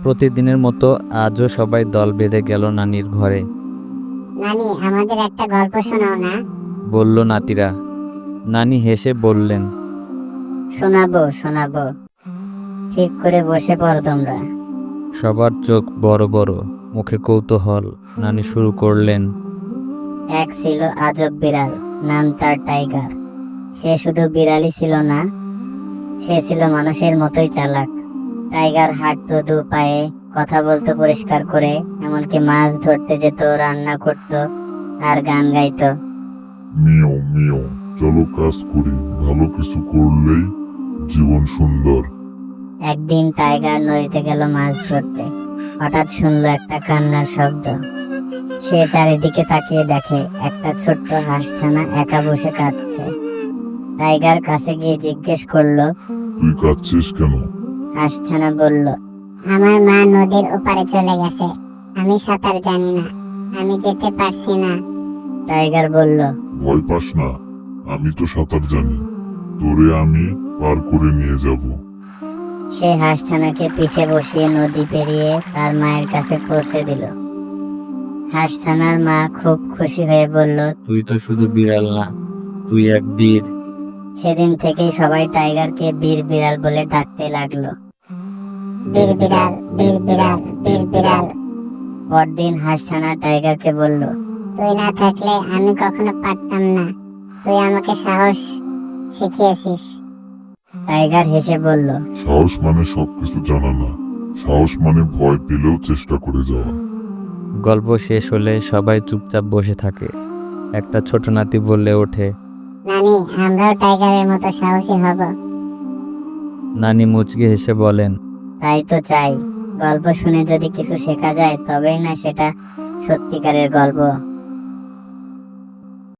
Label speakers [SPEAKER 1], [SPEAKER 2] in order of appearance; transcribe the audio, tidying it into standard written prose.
[SPEAKER 1] প্রতিদিনের মতো আজও সবাই দল বেঁধে গেল নানির ঘরে।
[SPEAKER 2] নানি, আমাদের একটা গল্প শোনাও না।
[SPEAKER 1] বলল নাতিরা। নানি হেসে বললেন,
[SPEAKER 2] শোনাবো শোনাবো, ঠিক করে বসে পড়ো তোমরা।
[SPEAKER 1] সবার চোখ বড় বড়, মুখে কৌতূহল। নানি শুরু করলেন।
[SPEAKER 2] এক ছিল আজব বিড়াল, নাম তার টাইগার। সে শুধু বিড়ালই ছিল না, সে ছিল মানুষের মতোই চালাক। টাইগার হাঁটতো দু পায়ে, কথা বলতো পরিষ্কার করে, এমনকি মাছ ধরতে যেত, রান্না করত আর গান গাইতো।
[SPEAKER 3] মিও মিও, চলো কাজ করি, ভালো কিছু করলেই জীবন সুন্দর।
[SPEAKER 2] একদিন টাইগার নদীতে গেল মাছ ধরতে। হঠাৎ শুনলো একটা কান্নার শব্দ। সে চারিদিকে তাকিয়ে দেখে একটা ছোট্ট হাঁসছানা একা বসে কাঁদছে। টাইগার কাছে গিয়ে জিজ্ঞেস করলো,
[SPEAKER 3] তুই কাঁদছিস কেন?
[SPEAKER 2] হাঁসছানা বলল, আমার মা নদীর ওপারে চলে গেছে, আমি সাঁতার জানি না, আমি যেতে পারছি না। টাইগার বলল,
[SPEAKER 3] ভয় পাস না, আমি তো সাঁতার জানি, তোরে আমি পার করে নিয়ে যাব।
[SPEAKER 2] সে হাঁসছানাকে পিঠে বসিয়ে নদী পেরিয়ে তার মায়ের কাছে পৌঁছে দিল। হাঁসছানার মা খুব খুশি হয়ে বলল,
[SPEAKER 1] তুই তো শুধু বিড়াল না, তুই এক বীর।
[SPEAKER 2] সেদিন থেকেই সবাই টাইগারকে বীর বিড়াল বলে ডাকতে লাগলো। বীর বিড়াল, বীর বিড়াল, বীর বিড়াল। পরদিন হাঁসছানা টাইগারকে বলল, তুই না থাকলে আমি কখনো পারতাম না, তুই আমাকে সাহস শিখিয়েছিস। টাইগার হেসে বলল,
[SPEAKER 3] সাহস মানে সবকিছু জানা না, সাহস মানে ভয় পেলেও চেষ্টা করে যাওয়া।
[SPEAKER 1] গল্প শেষ হলে সবাই চুপচাপ বসে থাকে। একটা ছোট নাতি বললে ওঠে।
[SPEAKER 2] নানি, আমরাও টাইগারের মতো সাহসী হব।
[SPEAKER 1] নানি মুচকি হেসে বলেন,
[SPEAKER 2] তাই তো চাই। গল্প শুনে যদি কিছু শেখা যায় তবেই না সেটা সত্যিকারের গল্প।